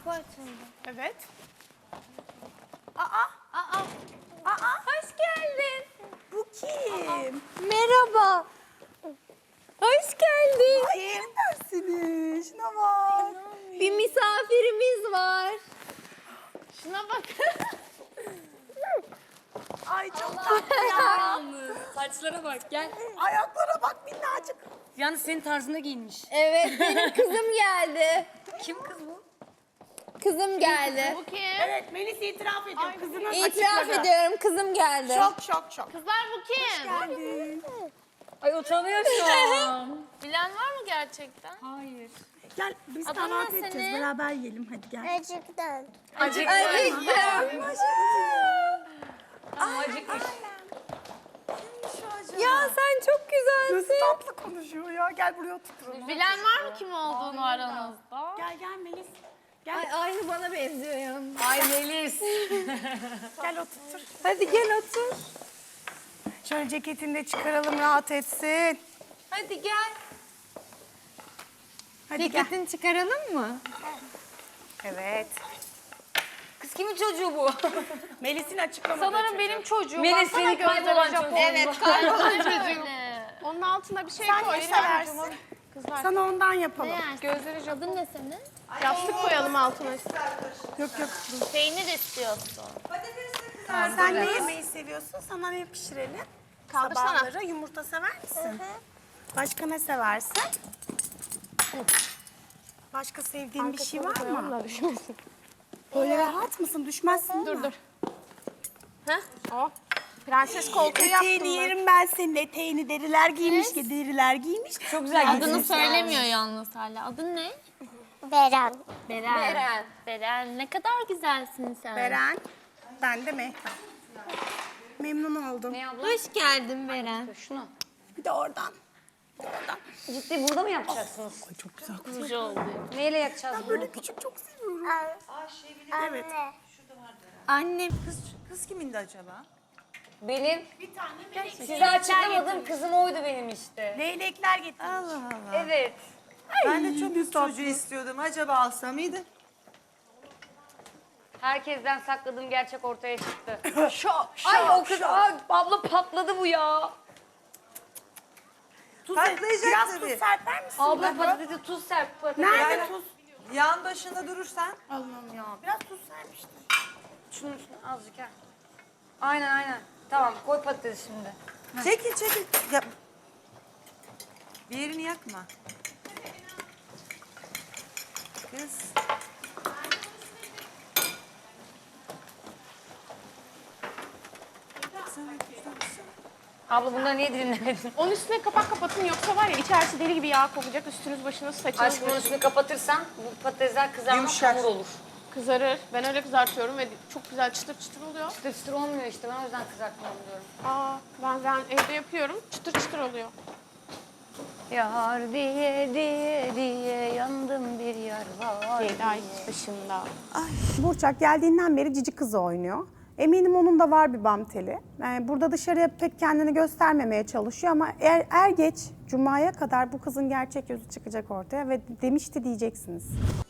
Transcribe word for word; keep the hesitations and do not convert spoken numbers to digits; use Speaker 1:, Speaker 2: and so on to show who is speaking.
Speaker 1: Kapı açıldı.
Speaker 2: Evet.
Speaker 1: Aa,
Speaker 2: Aa,
Speaker 1: aa.
Speaker 2: hoş geldin.
Speaker 1: Bu kim?
Speaker 2: Merhaba. Hoş geldin.
Speaker 1: Ay yerim ben seni. Şuna bak.
Speaker 2: Bir misafirimiz var. Şuna bak.
Speaker 1: Ay çok tatlı ya.
Speaker 3: Saçlara bak gel.
Speaker 1: Ayaklara bak minnacık.
Speaker 3: Yalnız senin tarzında giyinmiş.
Speaker 2: Evet, benim kızım geldi.
Speaker 3: Kim kız bu?
Speaker 2: Kızım geldi.
Speaker 4: Bu kim?
Speaker 1: Evet Melis itiraf ediyor. Kızının
Speaker 2: İtiraf
Speaker 1: açıkladı.
Speaker 2: ediyorum, kızım geldi.
Speaker 1: Şok şok şok.
Speaker 4: Kızlar bu kim?
Speaker 1: Geldin.
Speaker 3: Ay utanıyor şu an.
Speaker 4: Bilen var mı gerçekten?
Speaker 3: Hayır.
Speaker 1: Gel biz
Speaker 4: Adın
Speaker 1: kahvaltı
Speaker 4: ne
Speaker 1: edeceğiz.
Speaker 4: senin?
Speaker 1: Beraber yiyelim hadi gel.
Speaker 5: Acıktan.
Speaker 3: Acıktı.
Speaker 2: Acıktım.
Speaker 3: Ama acıkmış.
Speaker 2: Ya sen çok
Speaker 1: Nasıl
Speaker 2: güzelsin.
Speaker 1: tatlı konuşuyor ya. Gel buraya oturalım.
Speaker 4: Bilen var mı kim olduğunu aranızda?
Speaker 1: Gel gel Melis. Gel.
Speaker 2: Ay, aynı bana benziyor ya.
Speaker 3: Ay Melis.
Speaker 1: Gel otur.
Speaker 2: Hadi gel otur.
Speaker 1: Şöyle ceketini de çıkaralım rahat etsin.
Speaker 2: Hadi gel.
Speaker 1: Hadi gel.
Speaker 2: Ceketini çıkaralım mı?
Speaker 1: Evet.
Speaker 3: Kız kimin çocuğu bu?
Speaker 1: Melis'in açıklamadığı
Speaker 4: Sanırım
Speaker 1: çocuğu.
Speaker 4: benim çocuğum.
Speaker 3: Melis
Speaker 4: Baksana
Speaker 3: seni
Speaker 4: gözleri
Speaker 3: kaybolan
Speaker 4: Japon.
Speaker 3: çocuğun.
Speaker 2: Evet, kaybolan
Speaker 4: çocuğum. Onun altına bir şey
Speaker 1: Sen
Speaker 4: koy.
Speaker 1: ne seversin?
Speaker 4: Kızlar.
Speaker 1: Sana ondan yapalım.
Speaker 4: Gözleri Japon.
Speaker 5: Adın ne senin?
Speaker 4: Yastık koyalım altına.
Speaker 1: Yok yok.
Speaker 4: Peynir istiyorsun.
Speaker 1: Sen ne yemeği seviyorsun? Sana ne pişirelim?
Speaker 4: Kaldırsana.
Speaker 1: Sabahları yumurta sever misin? Başka ne seversin? Başka sevdiğin bir şey var mı? Böyle rahat mısın? Düşmezsin değil mi?
Speaker 4: Dur dur. Heh. O. Prenses koltuğu yaptım
Speaker 1: Eteğini
Speaker 4: ben.
Speaker 1: yerim ben senin eteğini. Deriler giymiş ki deriler giymiş.
Speaker 3: Çok güzel
Speaker 4: Adını
Speaker 3: giydiniz.
Speaker 4: söylemiyor yalnız hala. Adın ne?
Speaker 5: Beren.
Speaker 4: Beren.
Speaker 2: Beren.
Speaker 4: Beren. Ne kadar güzelsin sen.
Speaker 1: Beren. Ben de Mehtap. Memnun oldum.
Speaker 3: Ne abla?
Speaker 2: Hoş geldin Beren.
Speaker 3: Şunu.
Speaker 1: Bir de oradan. Bir de oradan.
Speaker 3: Ciddi burada mı yapacaksınız?
Speaker 1: Ay çok güzel.
Speaker 4: Güzel oldu.
Speaker 3: Neyle yakacağız bunu?
Speaker 1: Böyle küçük çok seviyorum. Evet.
Speaker 5: Anne.
Speaker 2: Annem.
Speaker 6: Kız, kız kimindi acaba?
Speaker 3: Benim. Size açıklamadım kızım oydu benim işte.
Speaker 1: Leylekler getirmiş.
Speaker 6: Allah Allah.
Speaker 3: Evet.
Speaker 6: Ben de çok kız çocuğu istiyordum. Acaba alsam mıydı?
Speaker 3: Herkesten sakladığım gerçek ortaya çıktı.
Speaker 1: Şok
Speaker 3: Ay o kız, ay, abla patladı bu ya.
Speaker 1: Tuz,
Speaker 6: Patlayacak
Speaker 1: biraz
Speaker 6: tabii.
Speaker 1: tuz serper misin?
Speaker 3: Abla patatesi tuz serp patates.
Speaker 1: Nerede
Speaker 6: Yani-
Speaker 1: tuz?
Speaker 6: Yan başında durursan.
Speaker 1: Allah'ım ya. Biraz tuz sermiştim.
Speaker 3: Şunun üstüne azıcık ha. Aynen aynen. Tamam koy patatesi şimdi.
Speaker 6: Çekil çekil. Ya. Bir yerini yakma. Kız.
Speaker 3: Abla bunları niye dinlemedin?
Speaker 4: Onun üstüne kapak kapatın yoksa var ya içerisi deli gibi yağ kokacak. Üstünüz başınız saçınız
Speaker 3: Aşkım onun
Speaker 4: başınız
Speaker 3: üstünü kapatırsan bu patatesler kızarmaz
Speaker 6: Yumuşar.
Speaker 3: hamur olur.
Speaker 4: kızarır. Ben öyle kızartıyorum ve çok güzel çıtır çıtır oluyor.
Speaker 3: Çıtır çıtır olmuyor işte ben o yüzden kızartmam diyorum.
Speaker 4: Aa, ben, ben evde yapıyorum. Çıtır çıtır oluyor.
Speaker 3: Yar diye diye diye yandım bir yar var.
Speaker 4: Yedi ay başında.
Speaker 1: Burçak geldiğinden beri cici kızı oynuyor. Eminim onun da var bir bam teli. Yani burada dışarıya pek kendini göstermemeye çalışıyor ama er, er geç Cuma'ya kadar bu kızın gerçek yüzü çıkacak ortaya ve demişti diyeceksiniz.